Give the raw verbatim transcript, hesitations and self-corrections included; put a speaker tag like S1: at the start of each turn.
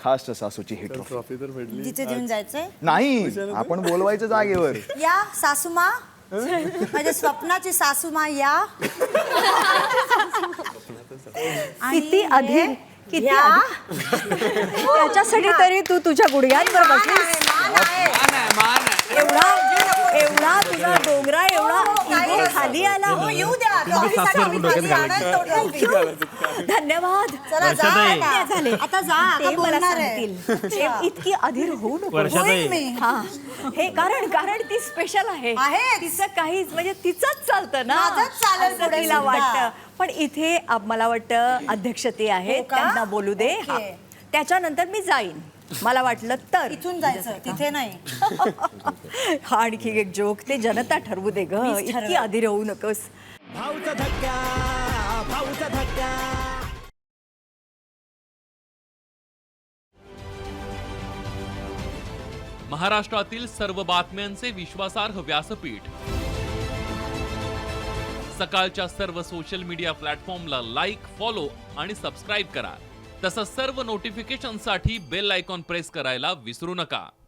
S1: खास सासूची ही trophy.
S2: Trophy तर भेटली.
S3: तिथे देऊन जायचंय.
S1: नाही, आपण बोलवायचं जागेवर.
S3: या सासूमा, माझ्या स्वप्नाची सासूमा या.
S4: किती अधीर, किती त्याच्यासाठी तरी तू तुझ्या गुडघ्यांवर बसलीस. एवढा एवढा तुझा डोंगरा एवढा इगो खाली आला.
S3: हो, येऊ द्या. ट्रॉफीसाठी आम्ही खाली आणत होतो.
S4: धन्यवाद.
S3: चला जा आता.
S4: झाले
S3: आता जा, आता
S4: ते मला
S3: बोलणार आहे.
S4: सांगतील. ते इतकी अधीर होऊ नको.
S3: होईल मी.
S4: हा, हे कारण कारण ती स्पेशल आहे.
S3: आहे.
S4: तिचं काहीच म्हणजे तिचंच चालतं ना.
S3: माझंच चालेल
S4: असं
S3: पुढे
S4: तिला
S3: सुद्धा.
S4: वाटतं. पण इथे आप- मला वाटतं अध्यक्ष ते आहेत,
S3: हो का?
S4: त्यांना बोलू दे.
S3: ओके.
S4: हा. त्याच्यानंतर मी जाईन. मला वाटलं तर
S3: इथून जायचं, तिथे नाही.
S4: हा आणखी एक जोक, ते जनता ठरवू दे ग.
S3: मीच
S4: इतकी
S3: ठरवेन.
S4: अधीर होऊ नकोस.
S5: भाऊचा धक्का, भाऊचा धक्का.
S6: महाराष्ट्रातील सर्व बातम्यांचे विश्वासार्ह व्यासपीठ. सकाळच्या सर्व सोशल मीडिया प्लॅटफॉर्मला लाईक, फॉलो आणि सबस्क्राईब करा. तसंच सर्व नोटिफिकेशनसाठी बेल आयकॉन प्रेस करायला विसरू नका.